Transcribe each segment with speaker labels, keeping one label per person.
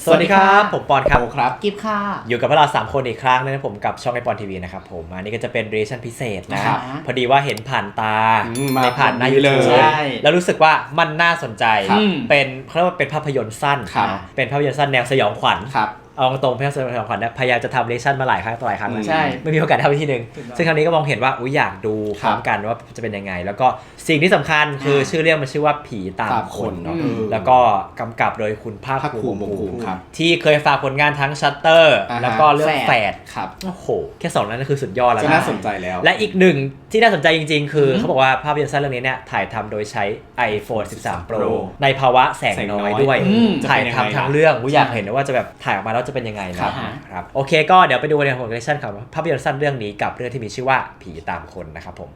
Speaker 1: สวัสดีครับผมปอนครับ
Speaker 2: ครับกิฟค่ะ
Speaker 1: อยู่กับพวกเรา3คนอีกครั้งนึงนะผมกับช่องไอปอนทีวีนะครับผมอันนี้ก็จะเป็นเรชั่นพิเศษนะพอดีว่าเห็นผ่านตาในผ่านหน้า YouTube แล้วรู้สึกว่ามันน่าสนใจเป็นเขาเรียกว่าเป็นภาพยนตร์สั้นเป็นภาพยนตร์สั้นแนวสยองขวัญเอาตรงๆภาพยนตร์สยองขวัญเนี่ยพยายามจะทำเรชั่นมาหลายครั้งต่อหลายครั้งแล้วไม่มีโอกาสทำทีนึงซึ่งครั้งนี้ก็มองเห็นว่าอยากดูพร้อมกันว่าจะเป็นยังไงแล้วก็สิ่งที่สำคัญคือชื่อเรื่องมันชื่อว่าผีตามคนเนาะแล้วก็กำกับโดยคุณภาคภูมิที่เคยฝากผลงานทั้งชัตเตอร์แล้วก็เรื่องแฝดโอ้โหแค่2นั้นก็คือสุดยอดแล้ว
Speaker 2: ก็น่าสนใจแล้ว
Speaker 1: และอีกหนึ่งที่น่าสนใจจริงๆคือเขาบอกว่าภาพยนตร์สั้นเรื่องนี้เนี่ยถ่ายทำโดยใช้ iPhone 13 Pro ในภาวะแสงน้อยด้วยถ่ายทำทั้งเรื่องอยากเห็นว่าจะแบบถ่ายออกมาแล้วจะเป็นยังไงนะครับโอเคก็เดี๋ยวไปดูในของเรชั่นของภาพยนตร์สั้นเรื่องนี้กับเรื่องที่มีชื่อว่าผีตามคนนะครับผม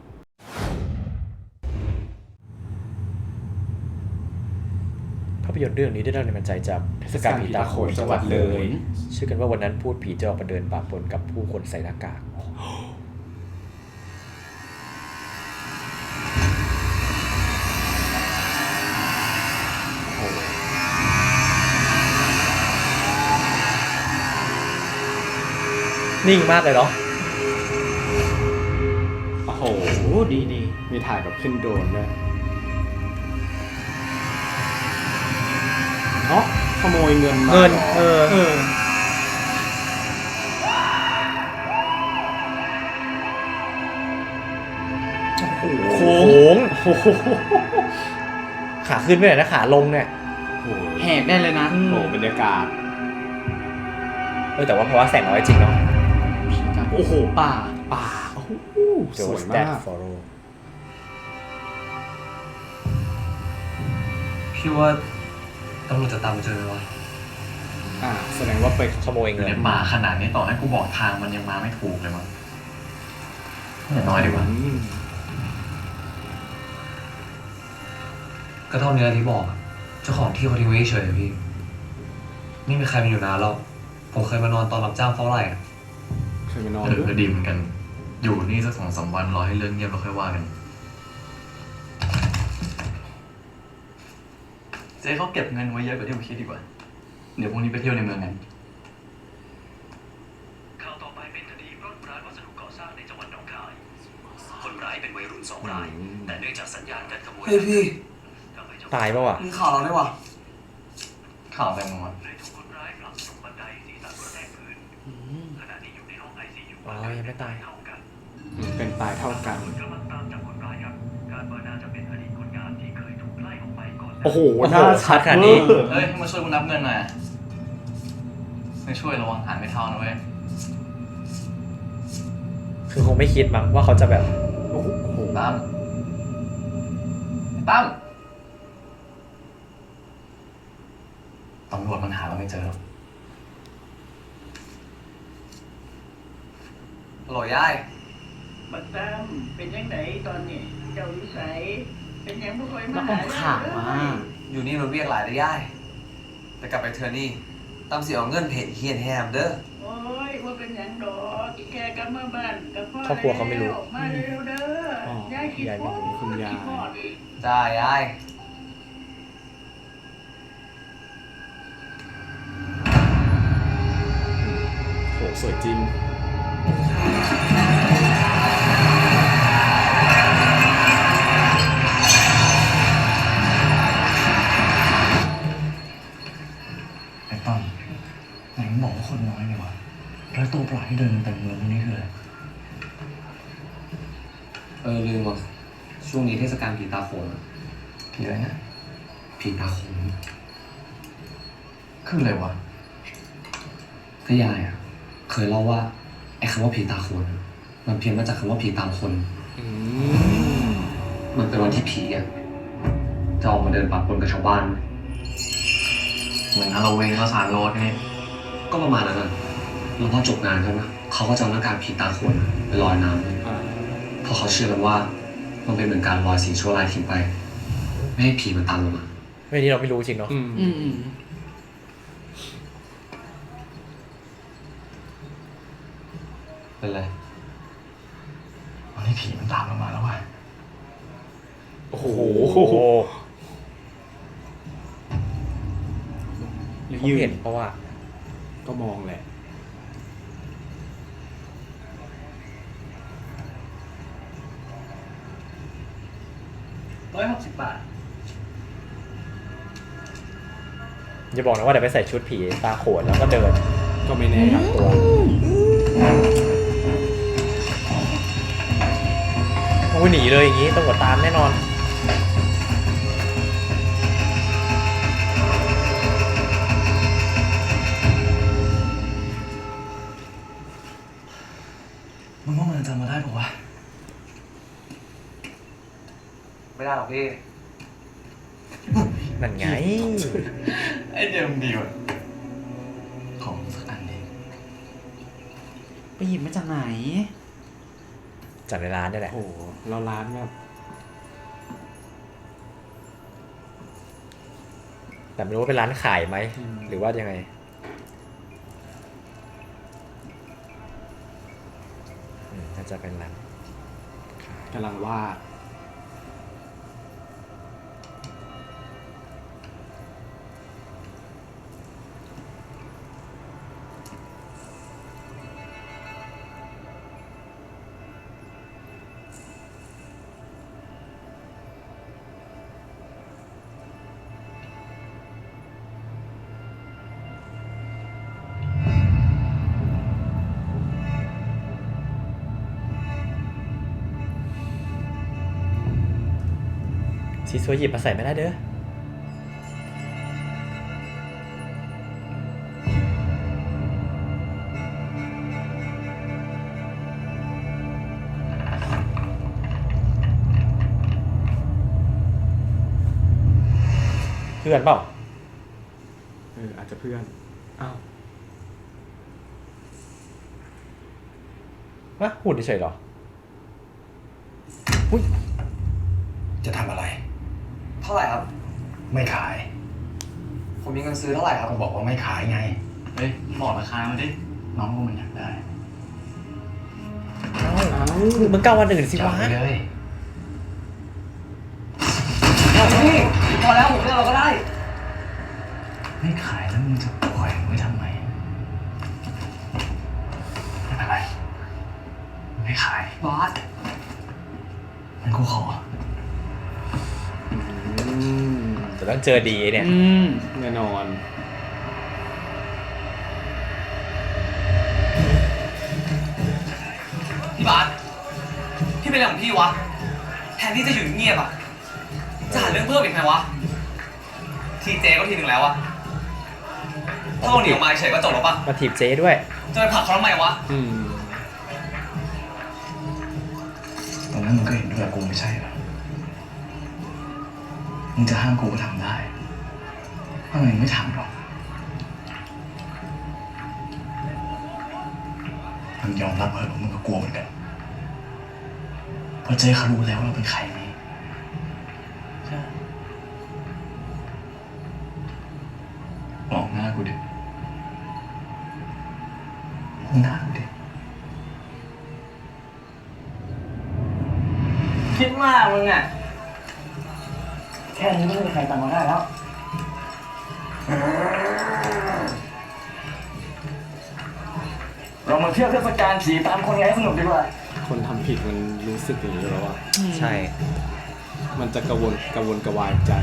Speaker 1: ภาพยนตร์เรื่องนี้ได้รับแรงบันดาลใจจากเทศกาลผีตาโขนจังหวัดเลยเชื่อกันว่าวันนั้นพูดผีจะออกมาเดินปะปนกับผู้คนใส่หน้ากากนิ่งมากเลยเนาะ
Speaker 2: โอ้โหดีมีถ่ายแบบขึ้นโดรนด้วยขโมยเงินมา
Speaker 1: โค้งขาขึ้นไม่ได้นะขาลงเนี่ย
Speaker 3: แหกได้เลยนะ
Speaker 2: โอ้บรรยากาศ
Speaker 1: แต่ว่าเพราะว่าแสงน้อยจริงเนาะ
Speaker 3: โอ้โหป่า
Speaker 2: โอ้โห
Speaker 1: สวยมาก
Speaker 4: พี่ว่าตำรวจจะตามมาเจอวะ
Speaker 2: แสดงว่าไป
Speaker 1: ขโมยเงิน
Speaker 4: หมาขนาดนี้ต่อให้กูบอกทางมันยังมาไม่ถูกเลยมั้งอย่าน้อยดีกว่าก็เท่านี้ที่บอกเจ้าของที่เขาทิ้งไว้เฉยพี่นี่มีใครมาอยู่นานแล้วผมเคยมานอนตอนรับจ้างเฝ้าไร่
Speaker 2: เคยมานอน
Speaker 4: ก็ดีเหมือนกันอยู่นี่สัก2-3 วันรอให้เรื่องเงียบแล้วค่อยว่ากันเจ๊เขาเก็บเงินไว้เยอะกว่าที่ผมคิดดีกว่าเดี๋ยวพรุ่งนี้ไปเที่ยวในเมืองกัน
Speaker 5: ข่าวต่อไปเป็นคดีปล้นร้านวัสดุก่อสร้างในจังหวัดหนองคายคนร้ายเป็นวัยรุ่น2 รายแต่เนื่องจากสัญญาณการขโมย
Speaker 4: พี่
Speaker 1: ตายป่ะวะ
Speaker 4: มีข่าวเราได้วะข่าวอะไรมั้งวะ
Speaker 5: ถูกคนร้ายผลักตกบันไดศีรษะกระแทกพื้นขณะนี้อยู่ในห้อง ICU
Speaker 1: ยังไม่ตาย
Speaker 2: เป็นตายเท่ากัน
Speaker 5: กำลังตามจับคนร้ายครับการว่าน่าจะเป็นอดีตคนงานที่เคยถูกไล่ออกไปก่อน
Speaker 1: โอ้โหน่าชัดขนาดนี้
Speaker 4: เฮ้ยมาช่วยกูนับเงินหน่อยไม่ช่วยระวังหายไม่เท่านะเว้ย
Speaker 1: คือคงไม่คิดมั้งว่าเขาจะแบบ
Speaker 4: โอ้โหตั้มตำรวจมันหาเราไม่เจอหรอกหล่อยาย
Speaker 5: บัดตั้มเป็นยังไงตอนนี้เจ้าวิสัยเป็นยังไม่ค่อยมา
Speaker 3: หาข่าว
Speaker 4: อยู่นี่มันเรียกหลายได้ย่ายแต่กลับไปเธอนี่ตั้มสิเอาเงินเพจเฮียนแฮมเด้อ
Speaker 5: โอ้ยว่าเป็นยังดอกแกกลับมาบ้านกับพ่อ
Speaker 1: ครอบครัวเขาไม่รู้
Speaker 5: มาเร็วเด้อยายคิดว่า
Speaker 2: คุณยาย
Speaker 4: จ้ายาย
Speaker 2: โหสวยจริง
Speaker 4: ไอ้ตั้มไหนมึงบอกว่าคนน้อยไงวะแล้วตัวปลาที่เดินเต็มเมืองนี่คืออะไรลืมว่ะช่วงนี้เทศกาลผีตาโขนผีอะไรนะผีตาโขนคืออะไรวะก็ยายอ่ะเคยเล่าว่าไอ้คำว่าผีตาโขนมันเพี้ยนมาจากคำว่าผีตามคนมันเป็นวันที่ผีอ่ะจะออกมาเดินปะปนกับชาวบ้านเหมือนฮาโลวีนก็สารโรดนี่ก็ประมาณนั้นนะแล้วพอจบงานเขานะเขาก็จะเอาหน้ากากผีตาโขนไปลอยน้ำเพราะเขาเชื่อกันว่ามันเป็นเหมือนการลอยสิ่งชั่วร้ายทิ้งไปไม่ให้ผีมันตามลงมา
Speaker 1: ไม่นี่เราไม่รู้จริงเนาะ
Speaker 4: เป็นไรวันนี้ผีมันตามเรามาแล้วว่ะ
Speaker 1: โอ้โห
Speaker 2: หรือ
Speaker 1: เขาเห็นเพราะว่า
Speaker 2: ก็มองแหละ
Speaker 5: 160 บาท
Speaker 1: อย่าบอกนะว่าเดี๋ยวไปใส่ชุดผีตาโขนแล้วก็เดิน
Speaker 2: ก็ไม่แน่ครับตัว
Speaker 1: โอ้ยหนีเลยอย่างงี้ตำรวจตามแน่นอน
Speaker 5: มึงว่ามันจำมาได้ปะวะไม่ได้หรอกพี่
Speaker 1: นั่นไง
Speaker 5: ไอเดียมันดีว่ะของสักอันดี
Speaker 3: ไปหยิบมาจากไหน
Speaker 1: จากในร้านนี่แหละ
Speaker 2: โอ้โหเราร้านแบบ
Speaker 1: แต่ไม่รู้ว่าเป็นร้านขายไหมหรือว่ายังไงน่าจะเป็นร้าน
Speaker 2: กำลังวาด
Speaker 1: ซีซัวหยิบมาใส่ไม่ได้เด้อเพื่อนเปล่า
Speaker 2: อาจจะเพื่อนอ้าว
Speaker 1: วะหุ่นเฉยเหรอ
Speaker 5: อุ้ยจะทำอะไรเท่าไหร่ครับไม่ขายผมมีเงินซื้อเท่าไหร่ครับผมบอกว่าไม่ขายไงเฮ้ยบอกราคามาดิน้องก็มันอยากได้
Speaker 1: มึงเก้าวันอื่นสิวะ
Speaker 5: เลยนี่พอแล้วผมเลือกเราก็ได้ไม่ขายแล้วมึงจะปล่อยไว้ทำไมไม่เป็นไรไม่ขายบอสงั้นกูขอ
Speaker 1: จะต้องเจอดีเนี่ย
Speaker 2: แน่นอน
Speaker 5: พี่บาสพี่เป็นอะไรของพี่วะแทนที่จะอยู่เงียบอ่ะจะหาเรื่องเพิ่มอีกไหมวะทีเจก็ทีหนึ่งแล้วอะถ้าเราหนีออกมาเฉยก็จบแล้วปะ
Speaker 1: มาถีบเจด้วย
Speaker 5: จะไปผลักเขาทำไมวะตอนนั้นมึงก็เห็นด้วยกูไม่ใช่หรอมึงจะห้ามกูก็ทำได้ทำไมไม่ทำหรอกมึงยอมรับเหรอว่ามึงก็กลัวเหมือนกันเพราะเจ๊เขารู้แล้วว่าเราเป็นใครไงใช่มองหน้ากูดิมองหน้ากูดิคิดมากมึงอ่ะแค่นี้ไม่มีใครตามมาได้แล้วเรามาเที่ยวเทศกาลผีตามคนไงสนุกดีกว่า
Speaker 2: คนทำผิดมันรู้สึกอย่างนี้แล้วอ่ะ
Speaker 1: ใช่
Speaker 2: มันจะกระวนกระวายใจ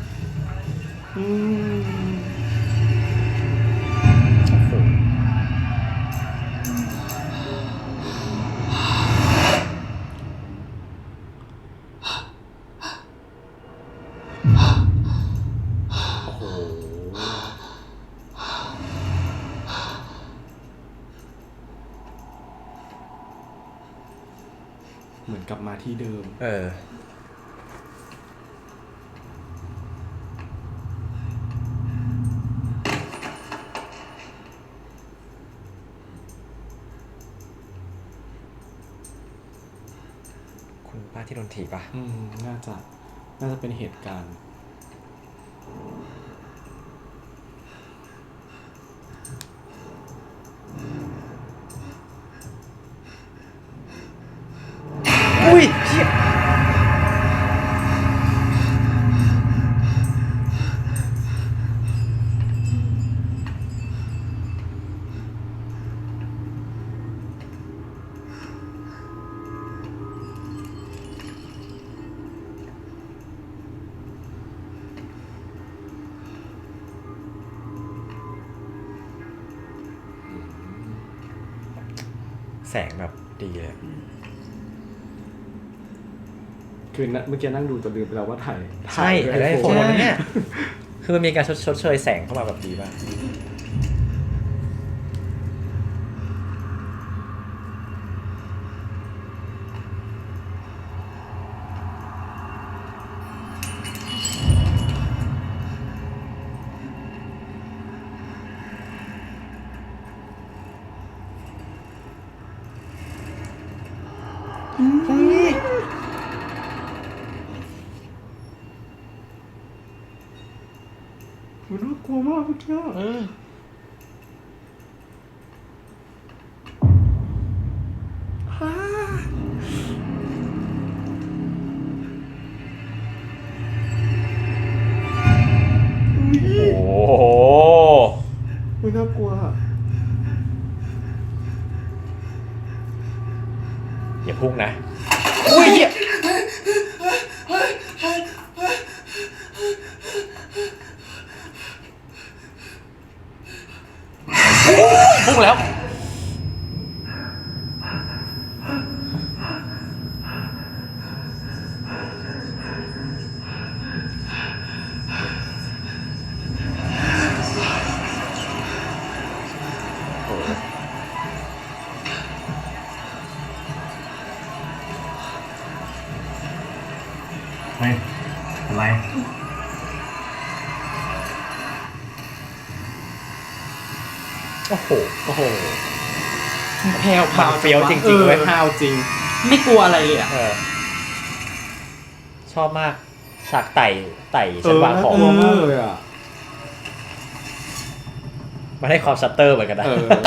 Speaker 2: เหมือนกลับมาที่เดิม
Speaker 1: คุณป้าที่โดนถีบป่ะ
Speaker 2: น่าจะเป็นเหตุการณ์
Speaker 1: อุ้ยเหี้ยแสงแบบดีเลย
Speaker 2: คือเมื่อกี้นั่งดูจนลืมไปแล้วว่าถ่าย
Speaker 1: ใช่ถ่ายได้โฟนนะเนี่ยคือมันมีการชดเชยแสงเข้ามาแบบดีมาก
Speaker 2: มันน่ากลัวมากเมื่อกี้
Speaker 1: โอ้โห
Speaker 2: มันน่ากลัว
Speaker 1: อย่าพุ่งนะอุ้ยเหี้ยพุ่งแล้ว
Speaker 4: เฮ้ยอะไร
Speaker 1: โอ้โห
Speaker 2: โอ้โห
Speaker 3: แผ่ว
Speaker 1: มันเฟี้ยวจริงๆเว้ย
Speaker 2: ห้าวจริง
Speaker 3: ไม่กลัวอะไรเลยอ่ะ
Speaker 1: ชอบมากฉากไต่ชั้นวางของ
Speaker 2: น่ากลัวมากเลยอ่ะ
Speaker 1: มันให้ความชัตเตอร์เหมือนกันนะ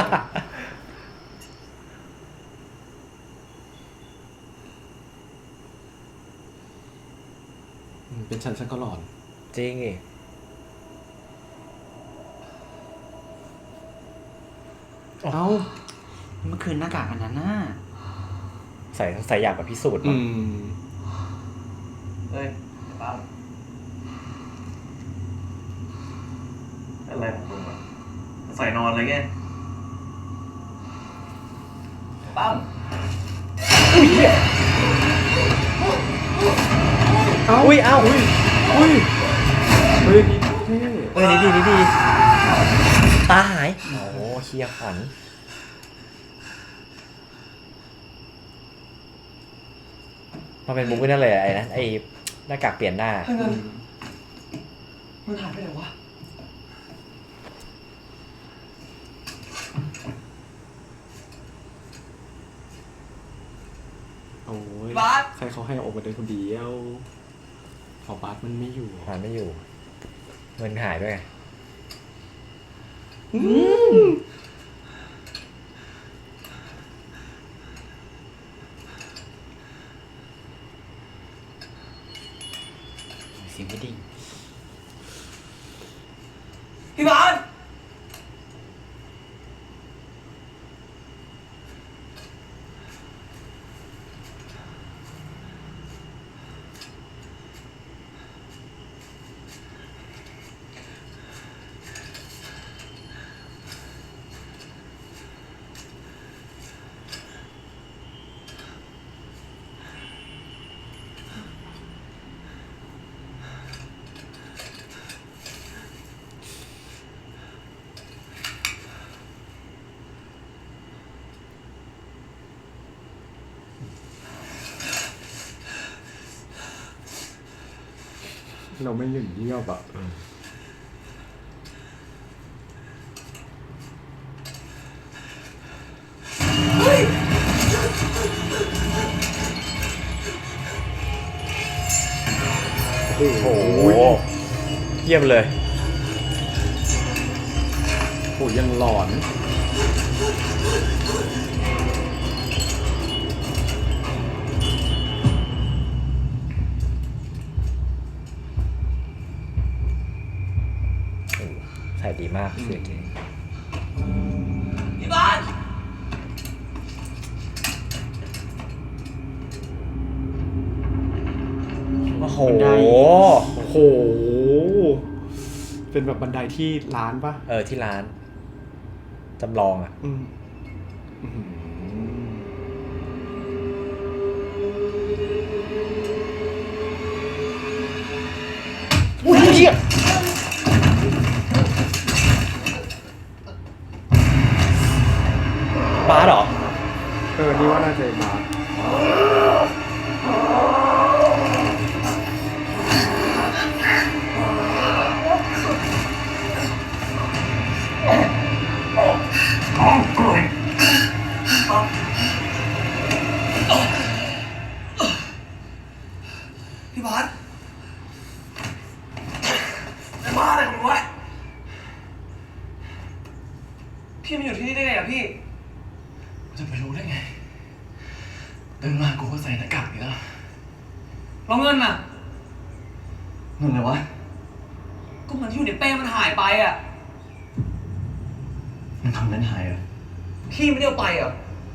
Speaker 2: เป็นฉันก็หลอน
Speaker 1: จริงอีก
Speaker 2: เอ้า
Speaker 3: เมื่อคืนหน้ากากอันนั้นน่ะ
Speaker 1: ใส่อยากแบบพิสูจน์
Speaker 2: อื
Speaker 1: มั้ง
Speaker 2: ม
Speaker 5: เฮ้ยป้าอะไรของมึงวะใส่นอนเลยไงปั้ม
Speaker 1: อุ้ยเอ้า
Speaker 2: เฮ้ยนี่เท่
Speaker 1: นี่ดีตาหายโอ้โหเคียขวัญมันเป็นมุกนั่นเลยไอ้นะไอ้หน้ากากเปลี่ยนหน้า
Speaker 5: เฮ้ยมันหายไปไหนวะ
Speaker 2: โอ้ย
Speaker 5: บาส
Speaker 2: ใครเขาให้ออกมาเดินคนเดียวพอบาสมันไม่อยู่
Speaker 1: หาไม่อยู่เงินหายด้วยไง
Speaker 3: เสียงไม่ดี
Speaker 5: พี่บาส
Speaker 2: เราไม่หยุดเงียบอ่ะ
Speaker 1: โอ้โหเยี่ยมเลย
Speaker 2: โหยังหลอน
Speaker 1: ใส่ดีมากเสียเก่ง
Speaker 5: พี่บาส
Speaker 1: โอ้โห
Speaker 3: บันได
Speaker 2: โอ้โห เป็นแบบบันไดที่ร้านปะ
Speaker 1: ที่ร้านจำลองอ่ะ
Speaker 2: อืม
Speaker 1: หี้ยบาสเหรอ
Speaker 2: นี่ว่าน่าจะมา
Speaker 5: พี่บาสไอ้บ้าอะไรของมึงวะพี่มาอยู่ที่นี่ได้ไงอะพี่จะไปรู้ได้ไงตื่นมากูก็ใส่หน้ากากนี่แล้วแล้วเงินน่ะเงินอะไรวะก็มันที่อยู่ในเป้มันหายไปอะมันทำนั้นหายเหรอพี่ไม่ได้เอาไปเหรอ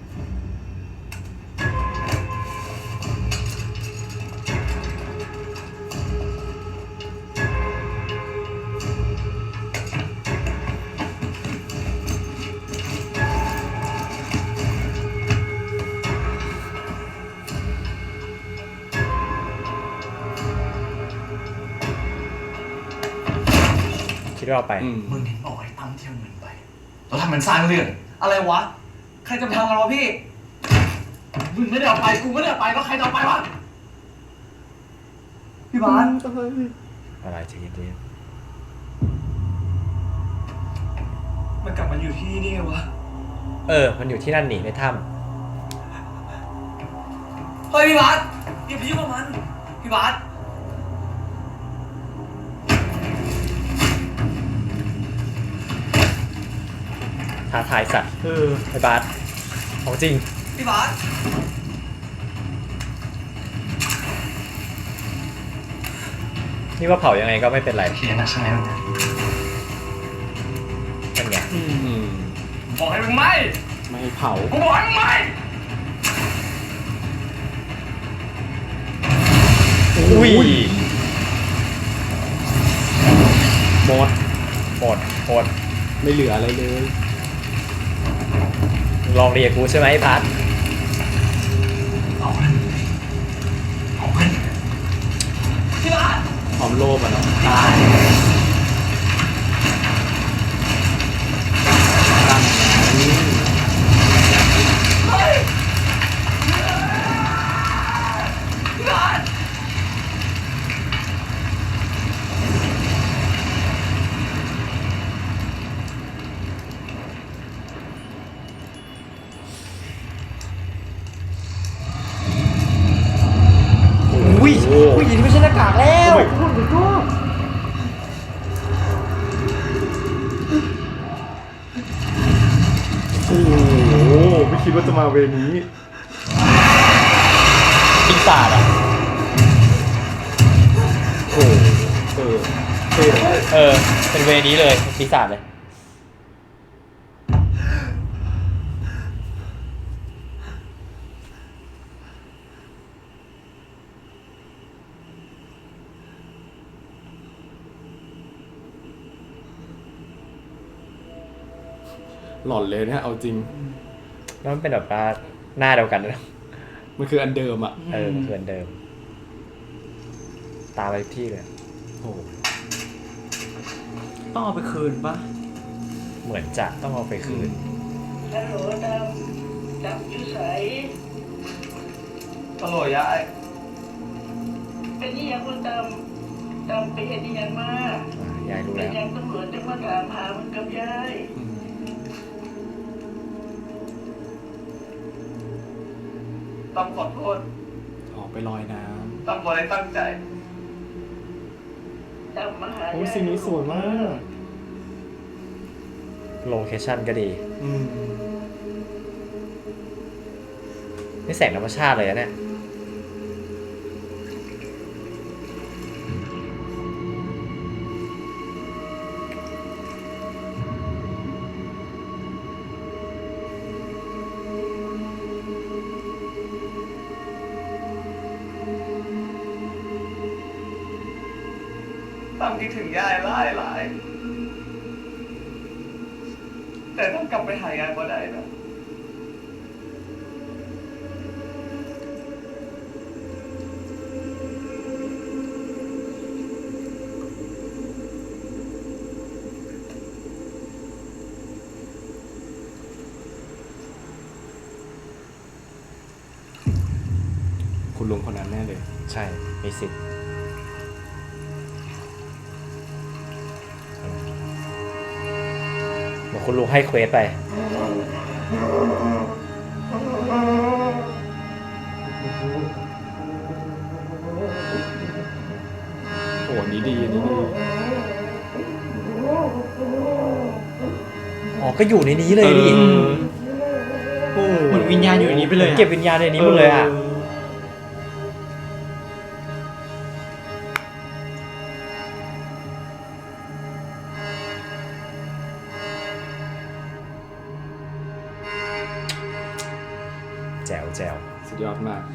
Speaker 1: คิดว่าเอาไป
Speaker 5: มึงเห็นบอกไอ้ตั้มเที่ยวเงินไปแล้วทำมันสร้างเรื่องอะไรวะใครจะไปทำกันวะพี่มึงไม่ได้เอาไปกูไม่ได้เอาไปแล้วใครจะเอาไปวะพี่บาส
Speaker 1: อะไรใจเย็น
Speaker 5: มันกลับมาอยู่ที่นี่ไงวะ
Speaker 1: มันอยู่ที่นั่นหนีในถ้
Speaker 5: เฮ้ยพี่บาสอย่าไปยุ่งกับมันพี่บาส
Speaker 1: ำท้าทายสัตว์ไอ้บาสของจริง
Speaker 5: พี่บาส
Speaker 1: นี่ว่าเผายังไงก็ไม่เป็นไร
Speaker 5: เขียนนะใช่ไหม
Speaker 1: นั่นไง
Speaker 5: บอกให้มึงไม่
Speaker 2: ไม่ให้เผา
Speaker 5: กูบอกให้มึงไม่
Speaker 1: อุ้ย
Speaker 2: หมด
Speaker 1: หมด
Speaker 2: ไม่เหลืออะไรเลย
Speaker 1: ลองเรียกกูใช่ไหมไอ้บาส
Speaker 5: เอาเงินพี่บาส
Speaker 2: ความโลภอ่ะเนาะ
Speaker 5: ตาย
Speaker 2: ตั้ง
Speaker 5: เฮ้ยพี่บาส
Speaker 1: อุ้ยผู้หญิงไม่ใช่หน้ากากแล้ว
Speaker 2: โอ้โหไม่คิดว่าจะมาเวนี้
Speaker 1: ปีศาจอ่ะ
Speaker 2: โอ้
Speaker 1: เป็นเวนี้เลยปีศาจเลย
Speaker 2: หลอนเลยนะเอาจริง
Speaker 1: แล้วมันเป็นแบบว่าหน้าเดียวกันนะ
Speaker 2: มันคืออันเดิมอ่ะ
Speaker 1: มันคืออันเดิม ตามไปทุกที่เลย
Speaker 2: โอ้
Speaker 3: ต้องเอาไปคืนปะ
Speaker 1: เหมือนจะต้องเอาไปคืน
Speaker 6: ฮัลโหลดำอยู่ใส
Speaker 5: ตลกยาย
Speaker 6: เป็นนี่ยังคุณดำไปเห็นนี่ยังมาก
Speaker 1: ยายรู้
Speaker 6: เป็
Speaker 1: แล้
Speaker 6: น
Speaker 1: ว
Speaker 6: ยังตำรวจจะมาถามหามันกับยาย
Speaker 5: ตั้มขอโทษ
Speaker 2: ออกไปลอยน้
Speaker 5: ตั้มบอกให้ตั้งใจ
Speaker 6: ดำมาหา
Speaker 2: ำโอ้
Speaker 6: ยาย
Speaker 2: สิ่งนี้สวยมาก
Speaker 1: โลเคชั่นก็ดี
Speaker 2: อืม
Speaker 1: นี่แสงธรรมชาติเลยนะเนี่ย
Speaker 5: ตั้มคิดถึงยายหลายแต่ต้องกลับไปหายายก็ได้นะ
Speaker 2: ลุงคนนั้นแน่เลย
Speaker 1: ใช่มีสิทธิ์เหมือนคุณลุงให้เควสไป
Speaker 2: โอ้อันนี้ดีอันนี้ดี
Speaker 1: อ๋อก็อยู่ในนี้เลยดิ
Speaker 2: โอ้
Speaker 3: เหมือนวิญญาณอยู่ในนี้ไปเลยอะ
Speaker 1: เก็บวิญญาณในนี้หมดเลยอ่ะแจ๋วแจ๋ว
Speaker 2: สุดยอดมาก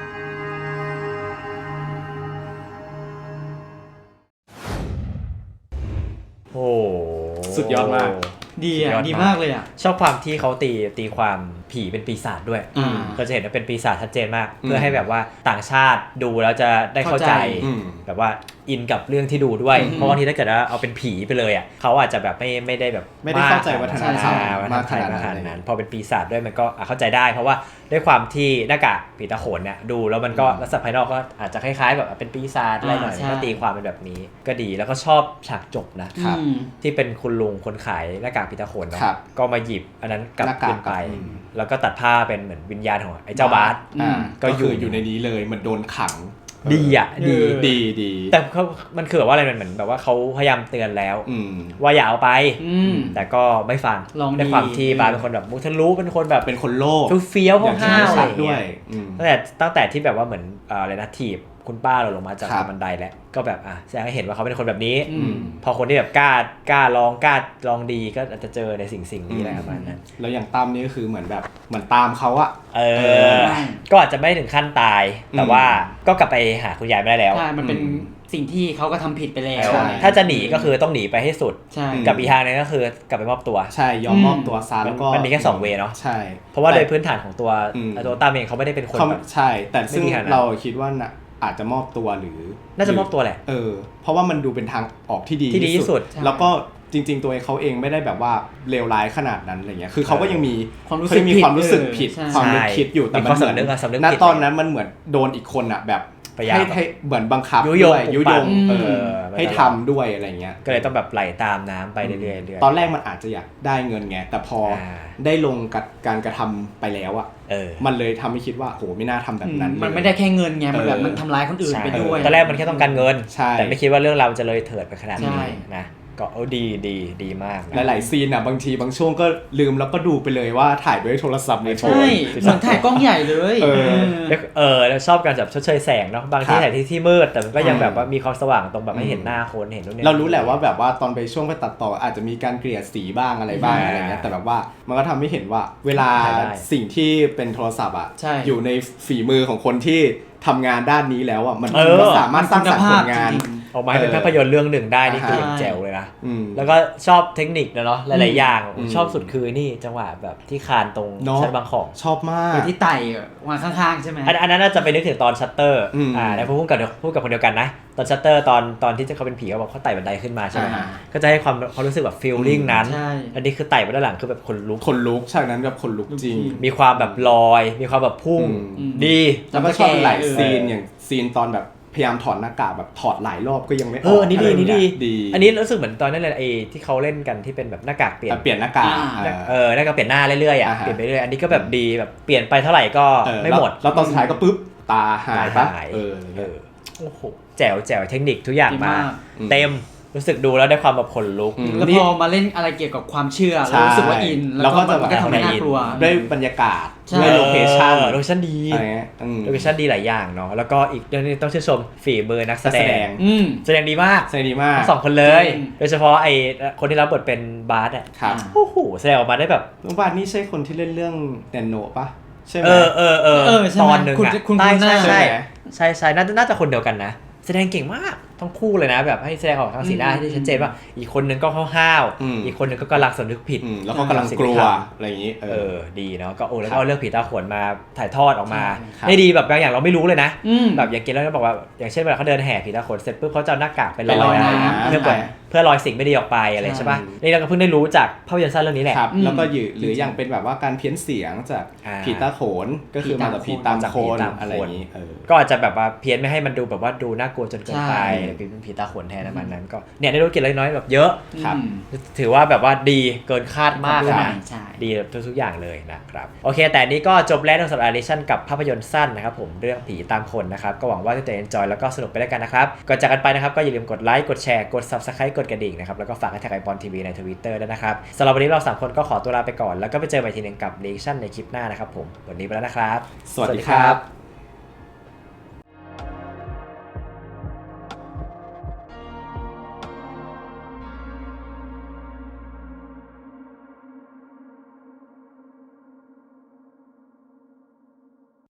Speaker 1: โอ้
Speaker 2: สุดยอดมาก
Speaker 3: ดี
Speaker 1: สุ
Speaker 3: อ่ะ
Speaker 1: ยอ
Speaker 3: ดีมากเลยอ่ะ
Speaker 1: ชอบความที่เขาตีความผีเป็นปีศาจด้วย
Speaker 3: อ่า
Speaker 1: เราจะเห็นว่าเป็นปีศาจชัดเจนมาก
Speaker 2: อืม
Speaker 1: เพื่อให้แบบว่าต่างชาติดูแล้วจะได้เข้าใจ
Speaker 3: เข้าใจ
Speaker 1: แบบว่าอินกับเรื่องที่ดูด้วย
Speaker 3: อืม
Speaker 1: เพราะบางทีถ้าเกิดว่าเอาเป็นผีไปเลยอ่ะเขาอาจจะแบบไม่ได้แบบ
Speaker 2: ไม่ได้เข้าใจวัฒนธรรม
Speaker 1: วัฒน
Speaker 2: มาก
Speaker 1: ธรร
Speaker 2: ข
Speaker 1: ม
Speaker 2: นาด
Speaker 1: ข
Speaker 2: นั้
Speaker 1: นาด
Speaker 2: น
Speaker 1: นั้นพอเป็นปีศาจด้วยมันก็เข้าใจได้ เพราะว่าด้วยความที่หน้ากากผีตาโขนเนี่ยดูแล้วมันก็ลักษณะภายนอกก็อาจจะคล้ายๆแบบเป็นปีศาจอะไรหน่อย
Speaker 3: ใช่
Speaker 1: ก็ตีความเป็นแบบนี้ก็ดีแล้วก็ชอบฉากจบนะ
Speaker 2: ครับ
Speaker 3: อืม
Speaker 1: ที่เป็นคุณลุงคนขายหน้ากากผีตาโขนเนาะ
Speaker 2: ครับ
Speaker 1: ก็มาหยิบอันนั้นกลับ
Speaker 2: หน้ากาก
Speaker 1: คืนไป
Speaker 2: อืม
Speaker 1: แล้วก็ตัดผ้าเป็นเหมือนวิญญาณของไอ้เจ้าบาส
Speaker 2: อ่า
Speaker 1: ก็
Speaker 2: ก็
Speaker 1: อยู่
Speaker 2: คืออยู่ในนี้เลยเหมือนโดนขัง
Speaker 1: ดีอ่ะดี
Speaker 2: ดีดี
Speaker 1: แต่มันคือแบบว่าอะไรมันเหมือนแบบว่าเขาพยายามเตือนแล้ว
Speaker 2: อืม
Speaker 1: ว่าอย่าเอาไป
Speaker 3: อืม
Speaker 1: แต่ก็ไม่ฟัง
Speaker 3: ลองดี
Speaker 1: ในความที่บาสเป็นคนแบบมุทะลุเป็นคนแบบ
Speaker 2: เป็นคนโลภ
Speaker 1: เฟี้ยว
Speaker 2: อย่างที่
Speaker 1: ห้าวๆอะไร
Speaker 2: ชัด
Speaker 1: อย่าง
Speaker 2: ด้ว
Speaker 1: เงี้
Speaker 2: ย
Speaker 1: ย
Speaker 2: อืม
Speaker 1: ตั้งแต่ที่แบบว่าเหมือนอะไรนะถีบคุณป้าเราลงมาจาก
Speaker 2: ครับ
Speaker 1: บันไดแล้วก็แบบแสดงให้เห็นว่าเขาเป็นคนแบบนี้
Speaker 3: อืม
Speaker 1: พอคนที่แบบกล้าลองดีก็อาจจะเจอในสิ่งนี้แหละประมาณนั้น
Speaker 2: แล้วอย่างตั้มนี่ก็คือเหมือนแบบเหมือนตามเขาอะ
Speaker 1: เอ
Speaker 2: เอ
Speaker 1: อ
Speaker 2: อ
Speaker 1: ก็อาจจะไม่ถึงขั้นตาย แต่ว่าก็กลับไปหาคุณยายไม่ได้แล้ว
Speaker 3: ใช่ มันเป็น
Speaker 2: อืม
Speaker 3: สิ่งที่เขาก็ทำผิดไปแล้ว
Speaker 2: ใช่
Speaker 1: ถ้าจะหนีก็คือต้องหนีไปให้สุด
Speaker 3: ใช่
Speaker 1: กับอีกทางหนึงก็คือกลับไปมอบตัว
Speaker 2: ใช่ยอมมอบตัวซะแล้วก็
Speaker 1: มันมีแค่2 เวย์เนาะ
Speaker 2: ใช่
Speaker 1: เพราะว่าโดย
Speaker 2: แต่
Speaker 1: พื้นฐานของตัว
Speaker 2: อืม
Speaker 1: ตัวตามเองเขาไม่ได้เป็นคน
Speaker 2: เขา
Speaker 1: แบบ
Speaker 2: ใช่ แต่ซึ่ง
Speaker 1: ไม่มีขนาดนั้น
Speaker 2: เราคิดว่าน่ะอาจจะมอบตัวหรือ
Speaker 1: น่าจะมอบตัวแหละ
Speaker 2: เพราะว่ามันดูเป็นทางออกที่ดี
Speaker 1: ที่ดีที่สุด
Speaker 2: แล้วก็จริง ๆ ตัวเขาเองไม่ได้แบบว่าเลวร้ายขนาดนั้นอะไรเงี้ยคือเขาก็ยังมี
Speaker 3: ความรู้สึก
Speaker 2: เคยมีความรู้สึกผิด
Speaker 3: ใช่
Speaker 2: ความนึกคิดอยู่แต่
Speaker 1: มี
Speaker 2: มั
Speaker 1: ความ
Speaker 2: นเหมือน
Speaker 1: สำนึกอะสำนึก
Speaker 2: ณ
Speaker 1: ผิด
Speaker 2: ตอนนั้นมันเหมือนโดนอีกคนอะแบบ
Speaker 1: พยายาม
Speaker 2: ให้เหมือนบังคับ
Speaker 1: ยุยง
Speaker 2: ด้วยยุยง
Speaker 1: ปลุกปั่น
Speaker 2: ให้ทำด้วยอะไรเงี้ย
Speaker 1: ก็เลยต้องแบบไหลตามน้ำไปเรื่อยๆ
Speaker 2: ตอนแรกมันอาจจะอยากได้เงินไงแต่พอได้ลงกับการกระทำไปแล้วอะ มันเลยทำให้คิดว่าโหไม่น่าทำแบบนั้น
Speaker 3: มันไม่ได้แค่เงินไง มันแบบ
Speaker 2: เออ
Speaker 3: มันทำร้ายคนอื่นไปด้วย
Speaker 1: ตอนแรกมันแค่ต้องการเงิน
Speaker 2: ใช่
Speaker 1: แต่ไม่คิดว่าเรื่องราวจะเลยเถิดไปขนาด
Speaker 3: ใช่
Speaker 1: นี้นะก็ดีมากนะ
Speaker 2: หลายๆซีนอ่ะบางทีบางช่วงก็ลืมแล้วก็ดูไปเลยว่าถ่ายด้วยโทรศัพท์ในโทร
Speaker 3: ใช่เหมือนถ่ายกล้องใหญ่เลย
Speaker 1: แล้วชอบการแบบชดเชยแสงเนาะบางที่ถ่ายที่มืดแต่มันก็ยังแบบว่ามีความสว่างตรงแบบให้เห็นหน้าคนเห็นนู่นนี่
Speaker 2: เรารู้แหละว่าแบบว่าตอนไปช่วงไปตัดต่ออาจจะมีการเกลี่ยสีบ้างอะไรบ้างอะไรเงี้ยแต่แบบว่ามันก็ทำให้เห็นว่าเวลาสิ่งที่เป็นโทรศัพท์อ่ะอยู่ในฝีมือของคนที่ทำงานด้านนี้แล้วอ่ะมันก็สามารถสร้างสรรค์ผลงาน
Speaker 1: ออกมาให้เป็นภาพยนตร์เรื่องหนึ่งได้นี่คือแจ๋วเลยนะแล้วก็ชอบเทคนิคนะเนาะหลายๆอย่างชอบสุดคือนี่จังหวะแบบที่คานตรงชั้นบางของ
Speaker 2: ชอบมาก
Speaker 3: ที่ไต่มาข้างๆใช่ไหม
Speaker 1: อันนั้นน่าจะไปนึกถึงตอนชัตเตอร์แล้วพูดกับคนเดียวกันนะตอนชัตเตอร์ตอนที่เขาเป็นผีเขาบอกเขาไต่บันไดขึ้นมาใช่ไหมก็จะให้ความรู้สึกแบบฟีลลิ่งนั้นอันนี้คือไต่มาด้านหลังคือแบบคนลุก
Speaker 2: ฉากนั้นแบบคนลุกจริง
Speaker 1: มีความแบบลอยมีความแบบพุ่งดี
Speaker 2: แล้วก็ชอบหลายซีนอย่างซีนตอนแบบพยายามถอดหน้ากากแบบถอดหลายรอบก็ยังไม่ออก
Speaker 1: อันนี้ดี
Speaker 2: ดี
Speaker 1: อันนี้รู้สึกเหมือนตอนนั้นเลยไอ้ที่เขาเล่นกันที่เป็นแบบหน้ากากเปลี่ยน
Speaker 2: หน้ากาก
Speaker 1: หน้ากากเปลี่ยนหน้าเรื่อยๆเปลี่ยนไปเรื่อยอันนี้ก็แบบดีแบบเปลี่ยนไปเท่าไหร่ก็ไม่หมด
Speaker 2: แล้วตอนสุดท้ายก็ปุ๊บตาหายปะ
Speaker 1: โอ้โหแจ๋วเทคนิคทุกอย่างมาเต็มรู้สึกดูแล้วได้ความแบบขนลุก
Speaker 3: แล้วพอมาเล่นอะไรเกี่ยวกับความเชื่อเรารู้สึกว่าอินแล้วก็แบบทำให้น่ากลัว
Speaker 2: ด้วยบรรยากาศด้วยโลเคชั่น
Speaker 1: ดีโลเคชั่นดีหลายอย่างเนาะแล้วก็อีกเรื่องนึงต้องชื่นชมฝีมือนักแสดงแสดงดีมากทั้งสองคนเลยโดยเฉพาะไอ้คนที่รับบทเป็นบาสอ่ะโอ้โหแสดงออกมาได้แบบ
Speaker 2: บาสนี่ใช่คนที่เล่นเรื่องแนนโนปะใช่ไหม
Speaker 1: ตอนหนึ่งอ่ะ
Speaker 3: คุณ
Speaker 1: ใช่น่าจะคนเดียวกันนะแสดงเก่งมากทั้งคู่เลยนะแบบให้แสดงออกทางสีหน้าที่ชัดเจนว่าอีกคนนึงก็ห้าวๆอีกคนนึงก็กำลังสำนึกผิด
Speaker 2: แล้วก็กำลังกลัวอะไรอย่างนี้
Speaker 1: ดีเนาะก็แล้วก็เอาเรื่องผีตาโขนมาถ่ายทอดออกมาได้ดีแบบบางอย่างเราไม่รู้เลยนะแบบอย่างเกณฑ์แล้วก็บอกว่าอย่างเช่นเวลาเขาเดินแห่ผีตาโขนเสร็จปุ๊บเขาจะเอาหน้ากากไปลอยเพื่อลอยสิ่งไม่ดีออกไปอะไรใช่ป่ะนี่เราก็เพิ่งได้รู้จากภาพยนตร์สั้นเรื่องนี้แหละ
Speaker 2: แล้วก็หรืออย่างเป็นแบบว่าการเพี้ยนเสียงจากผีตาโขนก็คือมาจากผีตามโขนอะไรอย่างนี้
Speaker 1: ก็อาจจะแบบว่าเพี้ยนไม่ให้มันดูแบบว่าดูน่ากลัวจนเกินไปเป็นผีตาโขนแทนมันนั้นก็เนี่ยได้รู้เกี่ยวกับน้อยแบบเยอะถือว่าแบบว่าดีเกินคาดมากนะดีทุกอย่างเลยนะครับโอเคแต่นี้ก็จบแล้วสำหรับอดิชั่นกับภาพยนตร์สั้นนะครับผมเรื่องผีตามคนนะครับก็หวังว่าจะ enjoy แล้วก็สนุกไปด้วยกันนะครับก่อนจากกันไปนะครับก็อย่าลืมกดไลค์กดแชร์กด Subscribe กดกระดิ่งนะครับแล้วก็ฝากให้แท็กไอปอนทีวีใน Twitter ด้วยนะครับสำหรับวันนี้เรา3คนก็ขอตัวลาไปก่อนแล้วก็ไปเจอกันอีกทีนึงกับ reaction ในคลิปหน้านะครับผมวันนี้ไปแล้วนะครับ
Speaker 2: สวัสดีครับ